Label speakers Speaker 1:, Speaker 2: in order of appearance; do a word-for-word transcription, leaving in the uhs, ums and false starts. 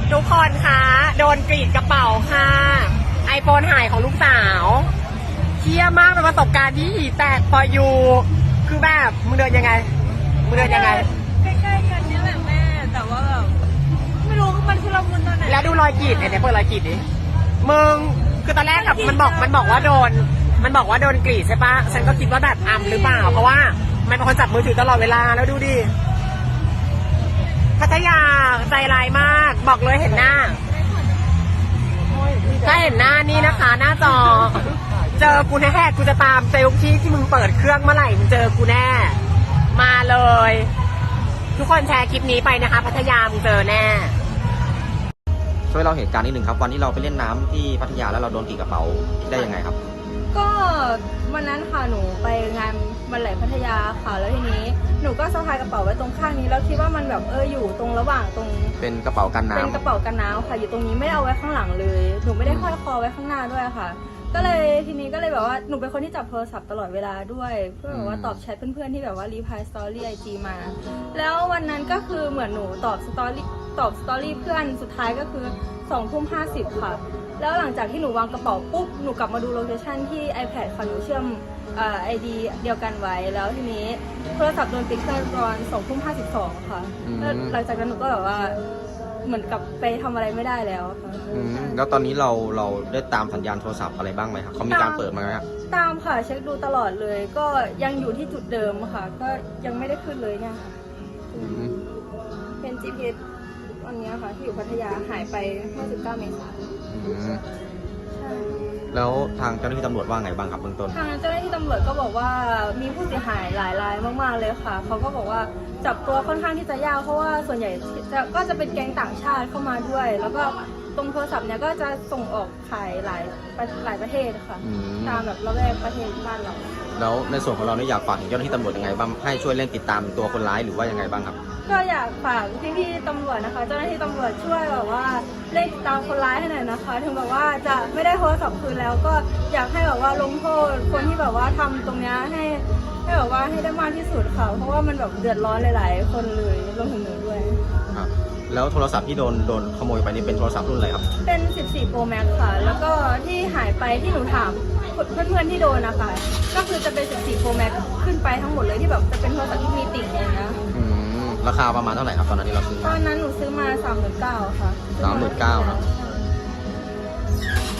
Speaker 1: ทุกคนคะโดนกรีดกระเป๋าค่ะไอโฟนหายของลูกสาวเชี่ยมากเป็นประสบการณ์ที่แตกพออยู่คือแบบมึงเดินยังไงมึงเดินยังไง
Speaker 2: ใกล้ๆกันนี่แหละแม่แต่ว่าแบบไม่รู้มันคือเรามุนตอนไหน
Speaker 1: แล้วดูรอยกรีดเนี่ยเปิดรอยกรีดดิมึงคือตอนแรกกับมันบอกมันบอกว่าโดนมันบอกว่าโดนกรีดใช่ปะฉันก็คิดว่าแบบอัมหรือเปล่าเพราะว่ามันเป็นคนจับมือถือตลอดเวลาแล้วดูดิพัทยาใจร้ายมากบอกเลยเห็นหน้าถ้าเห็นหน้านี่นะคะหน้าจอเจอกูแน่กูจะตามเซลล์ที่ที่มึงเปิดเครื่องเมื่อไหร่มึงเจอกูแน่มาเลยทุกคนแชร์คลิปนี้ไปนะคะพัทยามึงเจอแน่
Speaker 3: ช่วยเล่าเหตุการณ์นิดนึงครับวันที่เราไปเล่นน้ำที่พัทยาแล้วเราโดนกรีดกระเป๋าได้ยังไงครับ
Speaker 2: ก็วันนั้นค่ะหนูไปงานวันไหลพัทยาค่ะแล้วทีนี้หนูก็สะพายกระเป๋าไว้ตรงข้างนี้แล้วคิดว่ามันแบบเอออยู่ตรงระหว่างตรง
Speaker 3: เป็นกระเป๋ากันน้ำ
Speaker 2: เป็นกระเป๋ากันน้ำค่ะอยู่ตรงนี้ไม่ได้เอาไว้ข้างหลังเลยหนูไม่ได้ห้อยคอไว้ข้างหน้าด้วยค่ะก็เลยทีนี้ก็เลยแบบว่าหนูเป็นคนที่จับโทรศัพท์ตลอดเวลาด้วยเพื่อแบบว่าตอบแชทเพื่อนๆที่แบบว่ารีพายสตอรี่ไอจีมาแล้ววันนั้นก็คือเหมือนหนูตอบสตอรี่ตอบสตอรี่เพื่อนสุดท้ายก็คือสองทุ่มห้าสิบค่ะแล้วหลังจากที่หนูวางกระเป๋าปุ๊บหนูกลับมาดูโลเคชั่นที่ iPad ค่ะหนูเชื่อมไอดีเดียวกันไว้แล้วทีนี้โทรศัพท์โดนปิดเครื่องตอนสองทุ่มห้าสิบสองค่ะแล้วหลังจากนั้นหนูก็แบบว่าเหมือนกับไปทำอะไรไม่ได้แล้วค่ะ
Speaker 3: แล้วตอนนี้เราเราได้ตามสัญญาณโทรศัพท์อะไรบ้างไหมครับเขามีการเปิดมาไหมครับ
Speaker 2: ตามค่ะเช็คดูตลอดเลยก็ยังอยู่ที่จุดเดิมค่ะก็ยังไม่ได้ขึ้นเลยเนี่ยค่ะเป็น จี พี เอส วันนี้ค่ะที่อยู่พัทยาหายไปเมื่อสิบเก้าเมษายนใช่
Speaker 3: แล้วทางเจ้าหน้าที่ตำรวจว่าไงบ้างครับเบื้องต้น
Speaker 2: ทางเจ้าหน้าที่ตำรวจก็บอกว่ามีผู้เสียหายหลายรายมากๆเลยค่ะเขาก็บอกว่าจับตัวค่อนข้างที่จะยากเพราะว่าส่วนใหญ่จะก็จะเป็นแก๊งต่างชาติเข้ามาด้วยแล้วก็ตรงโทรศัพท์เนี้ยก็จะส่งออกขายหลายหลายประเทศค่ะตามแบบระแวกประเทศบ้านเรา
Speaker 3: แล้วในส่วนของเราเนี่ยอยากฝากถึงเจ้าหน้าที่ตำรวจยังไงบ้างให้ช่วยเร่งติดตามตัวคนร้ายหรือว่ายังไงบ้างครับ
Speaker 2: ก็อยากฝากพี่ๆตำรวจนะคะเจ้าหน้าที่ตำรวจช่วยแบบว่าเร่งติดตามคนร้ายให้หน่อยนะคะถึงแบบว่าจะไม่ได้โทรศัพท์คืนแล้วก็อยากให้แบบว่าลงโทษคนที่แบบว่าทำตรงนี้ให้ให้แบบว่าให้ได้มากที่สุดค่ะเพราะว่ามันแบบเดือดร้อนหลายๆคนเลยรวมถึงหนูด้วย
Speaker 3: ครับแล้วโทรศัพท์ที่โดนโดนขโมยไปนี่เป็นโทรศัพท์รุ่นอะไรครับ
Speaker 2: เป็น สิบสี่ Pro Max ค่ะแล้วก็ที่หายไปที่หนูถามเพื่อนๆที่โดนนะคะก็คือจะเป็น สิบสี่ Pro Max ขึ้นไปทั้งหมดเลยที่แบบจะเป็นโทรศัพท์ที่มีติ่งอย่างเงี้ย
Speaker 3: ราคาประมาณเท่าไหร่ครับตอนนั้นที่เราซื้อ
Speaker 2: ตอนนั้นหนูซื้อมา สามหมื่นเก้าพัน ค่ะ
Speaker 3: สามหมื่นเก้าพัน